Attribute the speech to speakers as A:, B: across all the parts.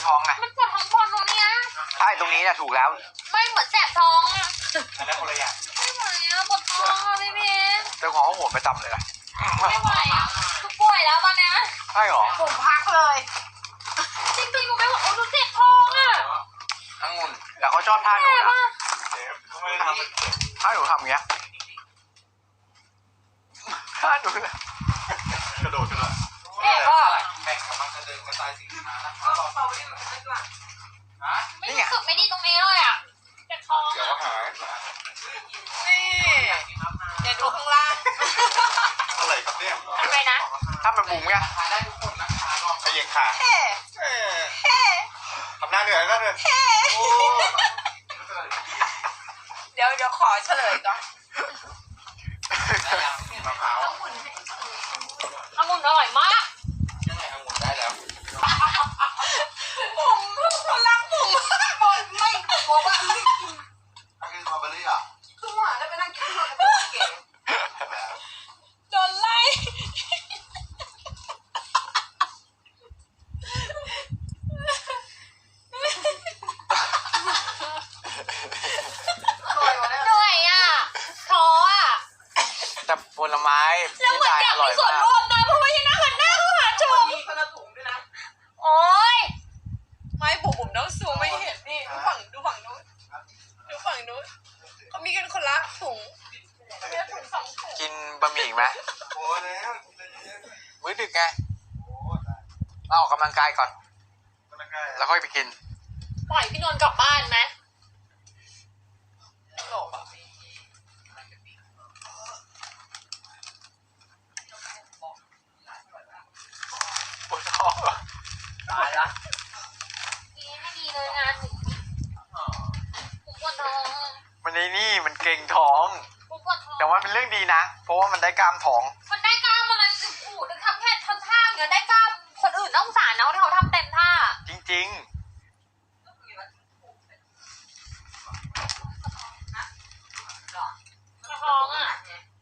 A: ท้องไง
B: มันปวดท้องบอลตรงเนี้ย
A: ใช่ตรงนี้นะถูกแล้ว
B: ไม่เหมือนแสบท้องอะ
C: อันนั้นคนละอย่าง
B: ไม่ไหวอะปวดท้องอะพี่เพชร
A: เจ้าของเขาโหดประจำเลยนะ
B: ไม่ไหวอะคือป่วยแล้วตอนเนี้ย
A: ใช่หรอ
D: ผมพักเลย
B: จริงๆหนูไม่ไหวโอ้หนูเจ็บท้องอะ
A: องุ่นแล้วเขาชอบท่าหนู
B: แสบ
A: นะ
B: อะ
C: เชฟทำไมทำเป็น
A: ท่าหนูทำอย่างเงี้ยท่าหนูนะ
C: กระโดด
B: แสบอะ
C: แบ่งกับมันจะเดินกระจายสิ่งที่มาแล้ว
B: ไม่รู้สึกไม่ดีตรงนี้เลยอะเจ็บท้อง
C: เดี๋ยว
B: อะ
C: ก็หาย
D: นี่เดี๋ยวดูข้างล่าง
C: อะไรครับเนี่ย
B: ทำไมนะ
A: ถ้ามันบุ๋มไง
C: ได้ทุกคนนะคะลองขยิงขา
D: เฮ้เฮ้
C: ทำหน้าเหนื่อยหน้าเหนื่อยโอ้
D: เดี๋ยวขอเฉลยก่อน
C: มะพร้าว
B: องุ่นอร่อยมาก
C: ยังไงองุ่นได้แล้ว
D: ผมคนล้างผมบนไม่บอกว่าไม่กิน
C: อันนี้สตรอเบอรี่อ่ะ
D: คือหวานแล้วไปนั่งกินข้าวกับเก๋โดนไล่
B: เหนื่อยอะท้ออะ
A: แต่ผลไม้
B: แล้วเหมือนอยากมีส่วนร่วมนะเพราะว่ายังนั่งหันหน้าเข้าหาชม
D: มีคนละถุงด้วยนะ
B: โอ๊ย
D: ไม่ผมต้องซูมไม่เห็นนี่ดูฝั่งนู้นดูฝั่งนู้นเขามีกันคนละถุงมีถุงสองถุง
A: กินบะหมี่ไหม
C: โอ้แล้ว
A: มื้อดึกไง
C: โอ้
A: เราออกกำลังกายก่อน
C: ก็แล้วก็
A: แล้วค่อยไปกิน
B: ปล่อยพี่นนท์กลับบ้านไหม
D: หลบอ่ะ
A: ปวดท้องเหรอ
D: ตายละ
B: ดีไม่ดีเลยงานหนูผมปวดท้อง
A: มันในนี่มันเกร็งท้อง
B: ผมปวดท้อง
A: แต่ว่าเป็นเรื่องดีนะ เพราะว่ามันได้กล้ามท้อง
B: มันได้กล้ามอะไรโอ้โหนึกทำแค่ทำท่าเงี้ยได้กล้ามคนอื่นต้องสารนะที่เขาทำเต็มท่า
A: จริง
B: ท้องอ่ะ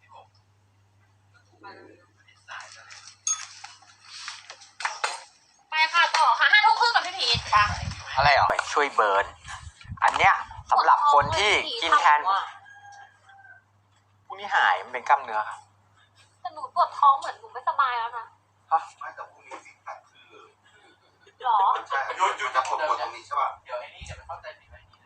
B: ไปค่ะต่อค่ะ5 ทุ่มครึ่งกับพี่พีทค่ะ
A: ๆ อะไรอ่ะช่วยเบิร์น อันเนี้ยสำหรับคนที่กินแทนพวกนี้หายมันเป็นกล้ามเนื้อครับ
B: แต่หนูปวดท้องเหมือนหนูไม่สบายแล้วนะ
C: ไม่แต่พรุ่งนี้ซิกแพคคือ
B: หรอ
C: ใช่ยุดจะปวดตรงนี้ใช่ป่ะ
E: เดี๋ยวไอ้นี่จะไปเข้าใจผิดไอ้นี่นะ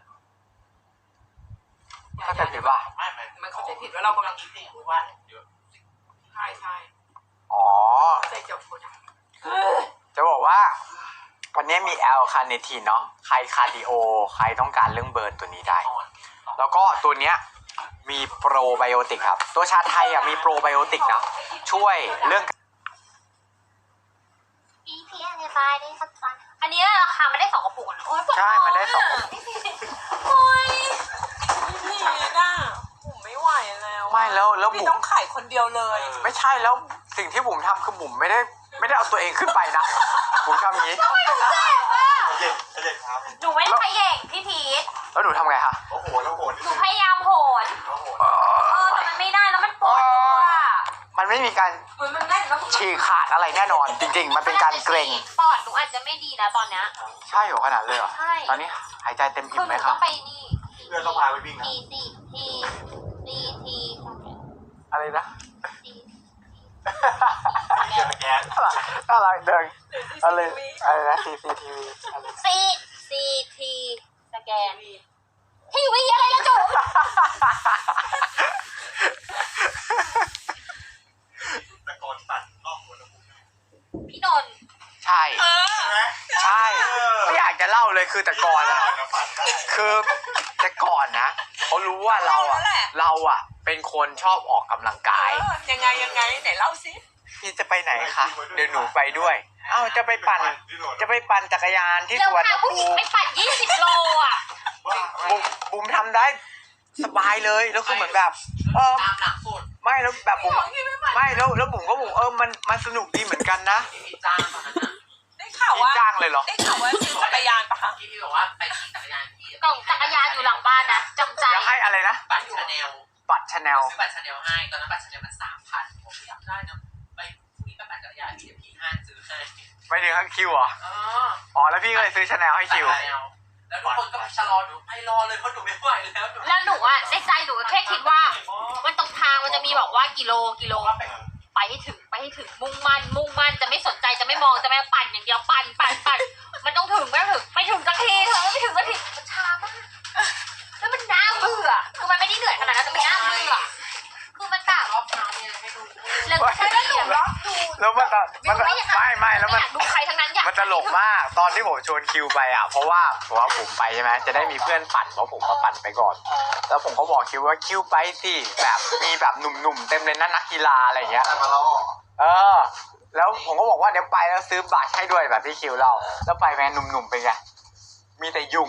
A: เข้าใจผิดว่า
D: มันเข้าใจผิดว่าเรากำลัง
E: คิดเองว่าเดี๋ยว
D: ใช่ใช่
A: อ๋อ
D: ใจเจ็บปวด
A: จะบอกว่า วันนี้มีแอลคาเนทีนเนาะ ใครคาร์ดิโอ ใครต้องการเรื่องเบิร์นตัวนี้ได้
E: อ่อน
A: แล้วก็ตัวเนี้ยมีโปรไบโอติกครับ ตัวชาไทยอ่ะมีโปรไบโอติกนะ ช่วยเรื่อง
B: อีพีอันนี้ตายได้สักจันอันนี้ราคาไม่ได้2 กระปุกนะโอ้ยปวดท้
A: ใช่
B: อง
A: มันได้2
B: โอ้ย
D: นี่น่ะผมไม่ไหวแล้ว
A: ไม่แล้ว
D: พี่
A: บุ๋
D: ต้
A: ม
D: องขายคนเดียวเลย
A: ไม่ใช่แล้วสิ่งที่บุ๋มทำคือบุ๋มไม่ได้เอาตัวเองขึ้นไปนะ บุ๋มทำอย่างนี้
C: เย็นเย็นครับ
B: หนูไม่ขย่งพี่พีท
A: แล้วหนูทำไงคะ
C: โอ้โหแล้วโหด
B: หนูพยายามโหน
C: โอ้โห
B: แต่มันไม่ได้แล้วมันปวดตัว
A: มันไม่มีการ
B: มันได้แล้ว
A: ฉีกขาดอะไรแน่นอน จริง ๆ มันเป็นการเกร็ง
B: ปอดหนูอาจจะไม่ดีนะตอนเนี้ย
A: ใช่เหรอขนาดเลยเหรอ
B: ใช่
A: ตอนนี้หายใจเต็ม
B: คื
A: อิ่
B: อ
A: ม
B: ห
A: ไหม
B: นู
A: ครั
B: ต้
A: บ
B: องไปนี่
C: เพื่อนต้องพาไปวิ่งนะ
B: ที
A: อะไรนะ
C: เจอแก๊ส
A: อะไรเดินอะไรนะ CCTV อะไร
B: ทีสแกนทีวีอะไรละจุ๋ม
C: ตะโกนตัดรอบหัวตะปู
B: พี่นนท์
A: ใช่
C: ใช่ไหม
A: ใช่ไม่อยากจะเล่าเลยคือแต่ก่อนนะ
C: ฝันได้
A: คือแต่ก่อนนะเขารู้ว่าเราอ่ะเป็นคนชอบออกกำลังกาย
D: ยังไงไหนเล่าสิ
A: พี่จะไปไหนคะเดี๋ยวหนูไปด้วยเอ้าจะไปปั่นจักรยานที่
B: เร็
A: ส
B: ว
A: วน
B: พาผู้หญิงไปปั่น20 โลอ่ะ
A: บุ๋มทำได้สบายเลยแล้วคือเหมือนแบบ
E: ตามหลักสูตร
A: ไม่แล้วแบบบุ๋มไม่แล้วบุ๋มก็บุ๋มมันสนุกดีเหมือนกันนะ
E: ที่พี่จ้างตอนนั้นน่ะ
D: ได้ข่าว
A: พี่
D: ว่า
A: จ้างเลยเหรอ
D: ได้ข่าวว่าซื้อจักรยานปะคะ
E: ที่พี่บอกว่าไปขี่จักรยานที่
B: กล่องจักรยานอยู่หลังบ้านนะจำใจ
A: จะให้อะไรนะ
E: บัตรชาแนล
A: บัตรชาแนล
E: ซื้อบัตรชาแนลให้ตอนนั้นบัตรชาแนลมัน3,000ผมอยากได้นะไปพรุ่งนี้ไปปั่นจักรยานที่เดี๋ยวพี่ห้านซื้อให้
A: ไปถึงคิวเหรอ
E: อ๋อ
A: อ๋อแล้วพี่ก็เลยซื้อชาแนลให้คิว
E: แล้วทุกคนก็ชะลอหนูไปรอเลยเพราะหนูไม่ไหวแล้วหนู
B: แล้วหนูอะในใจหนูแค่คิดว่า มันตรงทางมันจะมีบอกว่ากิโลไปให้ถึงมุ่งมั่นจะไม่สนใจจะไม่มองจะไม่ปั่นอย่างเดียวปั่นมันต้องถึงไม่ถึงสักทีเธอไม่ถึงสักทีมันช้ามากแล้วมันน่าเบื่อคือมันไม่ได้เหนื่อยขนาดนั้นแต่มันน่าเบื่อคือมันแบบ
E: รอบเช้าเนี่ยให้ดู
B: แล้วใช่แล้วหนูล็อกดู
A: แล้วมันไม่แล้วมัน
B: อยากดูใครทั้งนั้นอยาก
A: มันตลกมากตอนที่ผมชวนคิวไปอ่ะเพราะว่าผมไปใช่ไหมจะได้มีเพื่อนปั่นเพราะผมมาปั่นไปก่อน แล้วผมก็บอกคิวว่าคิวไปสิแบบมีแบบหนุ่มๆเต็มเลยนะนักกีฬาอะไรอย่างเงี้ย
C: มาแล้ว
A: แล้วผมก็บอกว่าเดี๋ยวไปแล้วซื้อบัตรให้ด้วยแบบที่คิวเล่าแล้วไปแม่หนุ่มๆเป็นไงมีแต่ยุง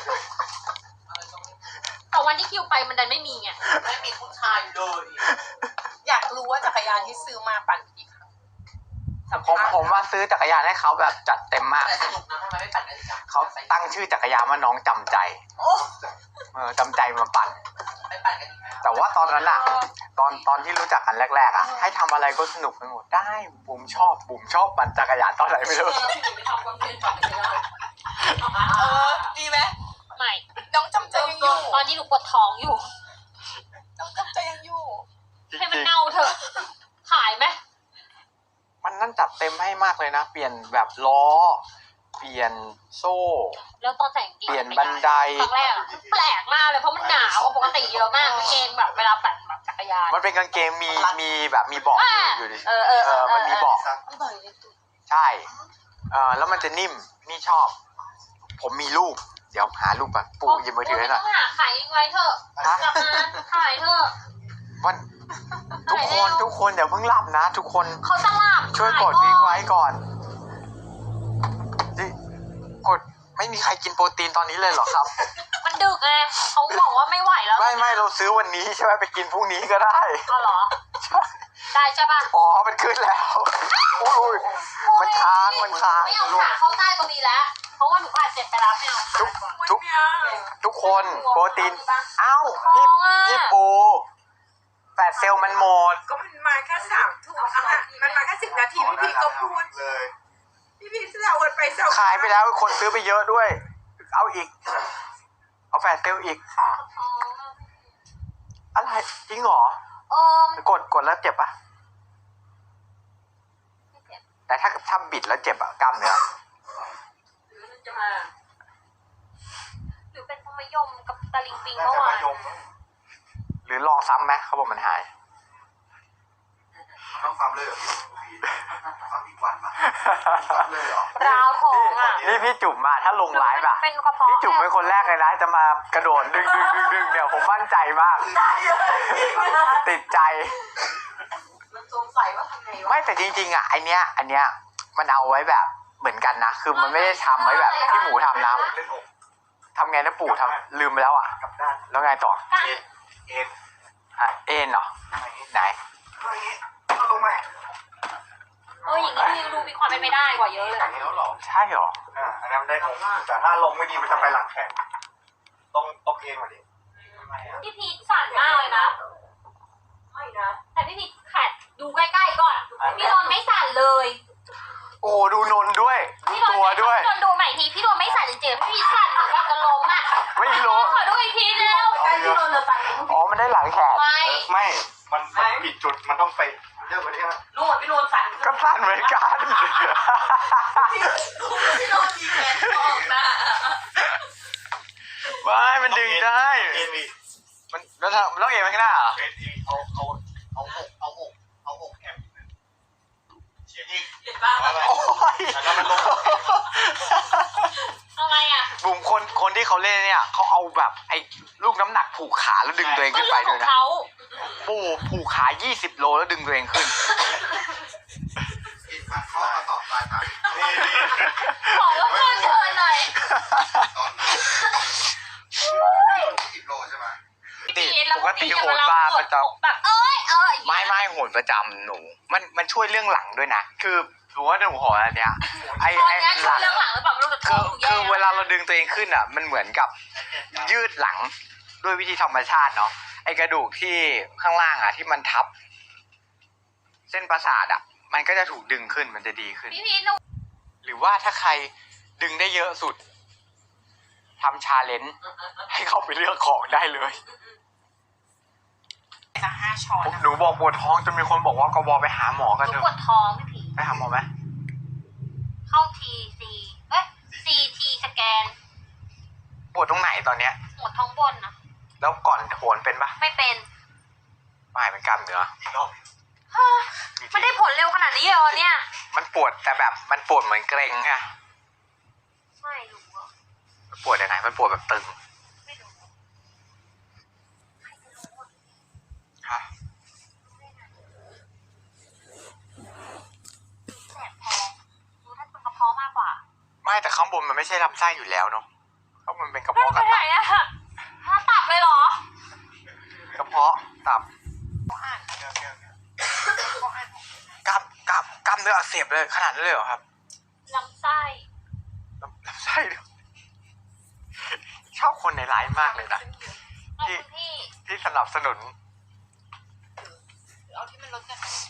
B: แต่วันที่คิวไปมันดันไม่มีไง
E: ไม่มีผู้ชายเลย
D: อยากรู้ว่าจักรยานที่ซื้อมาปั่นกี่ครั้งสัม
A: ผม
D: ภาษณ์
A: ผมว่าซื้อจักรยานให้เขาแบบจัดเต็มมาก
E: แต่สนุกนะทำไมไม่ปั่นกันอีกอ่ะ
A: เขาตั้งชื่อจักรยานว่าน้องจำใจจำใจมาปั่น
E: ไปปั่นกันอีกไหม
A: แต่ว่าตอนนั้นอะตอนที่รู้จักกันแรกๆอะให้ทำอะไรก็สนุกไปหมดได้บุ๋มชอบปั่นจักรยานตอนไหนไม่รู้
E: ไม่ทำคอนเทนต์ปั่นกันไม่ได้
D: ดีไหม
B: ไม่
D: น้องจำใจยังอยู่
B: ตอนนี้หนูปวดท้องอยู่
D: น้องจำใจยังอยู่
B: ให้มันเน่าเถอะขายไหม
A: มันนั่นจัดเต็มให้มากเลยนะ เปลี่ยนแบบล้อ เปลี่ยนโซ่
B: แล้วตอนใส่กางเกง
A: เปลี่ยนบันได
B: ครั้งแรกอะแปลกมากเลยเพราะมันหนาวปกติเยอะมากกางเกงแบบเวลาปั่นแบบจักรยาน
A: มันเป็นกางเกงมีแบบมีเบาะอยู่ดิ มันมีเบาะ
D: อร่อยเลยตุ๊
A: ใช่ แล้วมันจะนิ่มนี่ชอบ ผมมีรูป เดี๋ยวหารูปมาปู่หยิบมือถือให้หน่อย
B: ต้องหาขายไว้เถอะ
A: ฮะ
B: กลับมาขายเถอะ
A: มันทุกคนอย่าเพิ่งหลับนะ ทุกคน
B: เขาจะหลับ
A: ช่วยกดวิ่งไว้ก่อนนี่กดไม่มีใครกินโปรตีนตอนนี้เลยเหรอครับ
B: มันดึกไงเขาบอกว่าไม่ไหวแล้ว
A: ไม่เราซื้อวันนี้ใช่ไหมไปกินพรุ่งนี้ก็ได้
B: ก็เหรอ ได้ใช่ป่ะ
A: อ๋อมันขึ้นแล้วอุ้ยมันค้าง
B: ไม่เอาขาเข้าใต้ตรงนี้แล้ว เพราะว่าหนูผ่านเจ็บไปแล้วไม่เอา
A: ทุกคนโปรตีนเอ้าพี่ปูแปดเซลล์มันหมด
D: ก็มันมาแค่3 ทุ่มอะมันมาแค่10 นาทีพี่ก็พูด
C: เลย
D: พี่แซวกันไปแซว
A: ขายไปแล้วคนซื้อไปเยอะด้วย เอาอีก เอาแฟดเซลล์อีก อะไรจริงเหรอ กดแล้วเจ็บปะแต่ถ้าบิดแล้วเจ็บอะกล้ามเนื้อ
E: จะมา
B: หรือเป็นธรรมยมกับตะลิงปิงเมื่อวาน
A: หรือลองซ้ำไหมเขาบอกมันหาย
C: ต้องซ้ำเลยเหรอซ้ำอีกวันมาเลยเหรอ
B: ราวทองอ่ะ
A: นี่พี่จุ๋มมาถ้าลงไลฟ์อะ
B: เป็นกระเพาะ
A: พี่จุ๋มเป็นคนแรกเลยนะจะมากระโดดดึงเดี๋ยวผมมั่นใจมาก ติดใจ
E: มันสงสัยว่าทำไงวะ
A: ไม่แต่จริงๆอ่ะอันเนี้ยมันเอาไว้แบบเหมือนกันนะ คือมันไม่ได้ทำไว้แบบที่หมูทำนะ
C: เล่นอก
A: ทำไงนะปู่ทำลืมไปแล้วอ่ะ
C: กลับด้าน
A: แล้วไงต่อ
C: เอ็น
A: เอ็นเหรอไหน
C: อะไรอย่างงี้เอาลงมา
B: อย่างนี้ยังดูมีความเป็นไปได้กว่าเยอะเลย
C: อย่างนี้แล้วเหรอ
A: ใช่เหรอ
C: อันนั้นได้อกแต่ถ้าลงไม่ดีมันจะไปหลังแขนต้องเอ็นกว่านี้
B: พี่พีทสั่นมากเลยนะ
E: ไม่นะ
B: แต่พี่พีทแขดดูใกล้ๆก่อน พี่โดนไม่สั่นเลย
A: โอ้ดูนนด้วยดู
B: พี่โดน
A: ตัวด้วย
B: พี่โดนดูใหม่ทีพี่โดนไม่สั่นจริงๆพี่พีทสั่นเหมือนกับจะล้มอ่ะ
A: ไม่รู้
B: ขอดูอีกทีเร็ว
E: ใกล้ที่โดนเลยไป
A: อ๋อมันได้หลังแขน
B: ไม่
C: มันผิดจุดมันต้องไปเรื่องวันนี้นะ
E: นู่นพี่โดนสั่น
A: ก็สั้นเหมือนกัน
E: พี่โดนดีแขนออกนะ
A: ไม่มันดึงได้
C: เอ็นวี
A: มันแล้วต้องเอ็นไปข้างหน้าเหรอ
C: เอ็นวีเอาอกแอบเฉียงอีก
E: เห็นป่ะ
A: โอ้ย
C: แล้วมันลง
B: ทำไมอ่ะ
A: บุ๋มคนที่เขาเล่นเนี่ยเขาเอาแบบไอ้ลูกน้ำหนักผูกขาแล้วดึงตัวเอง
B: ก็
A: ขึ้น
B: เรื่
A: ไป
B: องข
A: ด้
B: อ
A: วย
B: ง
A: นะ
B: เขา
A: ผูกขา20 โลแล้วดึงตัวเองขึ้น
C: อีกข้อต่อปลายทางนี่
B: ขอรบกวนเชิญหน่อย
C: ตอนนั้น10 โลใช่ไหม
A: ปกติโหนบาร์ประจำ
B: แบบ
A: ไม่โหนประจำหนูมันช่วยเรื่องหลังด้วยนะ คือถือว่าหนูโหนอันเนี้ยไอ้
B: ตอนนี้
A: หลัง
B: เรื่องหลังหรือเปล่าไม่รู้แต่
A: คือเวลาเราดึงตัวเองขึ้นอ่ะ มันเหมือนกับยืดหลังด้วยวิธีธรรมชาติเนาะไอ้กระดูกที่ข้างล่างอ่ะที่มันทับ เส้นประสาทอ่ะ มันก็จะถูกดึงขึ้นมันจะดีขึ้น
B: พี่พีทหนู
A: หรือว่าถ้าใครดึงได้เยอะสุดทำชาเลนจ์ให้เขาไปเลือกของได้เลย
D: จะ5 ช้อนนะ
A: หนูบอกปวดท้องจนมีคนบอกว่ากบไปหาหมอกัน
B: หนู
A: เถ
B: ปว
A: อะ
B: ดท้องพี่ผี
A: ไปหาหมอไหม
B: เข้าCT สแกน
A: ปวดตรงไหนตอนเนี้ย
B: ปวดท้องบนนะ
A: แล้วก่อนโหนเป็นปะ
B: ไม่เป็น
A: ไม่เป็นกล้ามเนื้อ
C: อีกรอบ
B: ไม่ได้ผลเร็วขนาดนี้เลยเหรอเนี่ย
A: มันปวดแต่แบบมันปวดเหมือนเกร็งอะ
B: ไม่รู้อะ
A: มันปวดยังไงมันปวดแบบตึง
B: ไม่รู้ใครจะรู้อะ
A: ฮะ
B: แสบท้องรู้ถ้าเป็นกระเพาะมากกว่า
A: ไม่แต่ข้างบนมันไม่ใช่ลำไส้อยู่แล้วเนาะข้างบนเป็นกระ
B: ไม่
A: เพาะ
B: ไป
A: กับ
B: ไหนอะถ้าตับเลยเหรอ
A: กระเพาะตับ
C: ก็อ่าน
A: กล้ามเนื้ออักเสบเลยขนาดนั้นเลยเหรอครับ
B: ลำไส้
A: ลำไส้ด้วยชอบคนในไลฟ์มากเลยนะ
B: เอาคุณพี่
A: ที่สนับสนุน
D: เอาที่มันลดกัน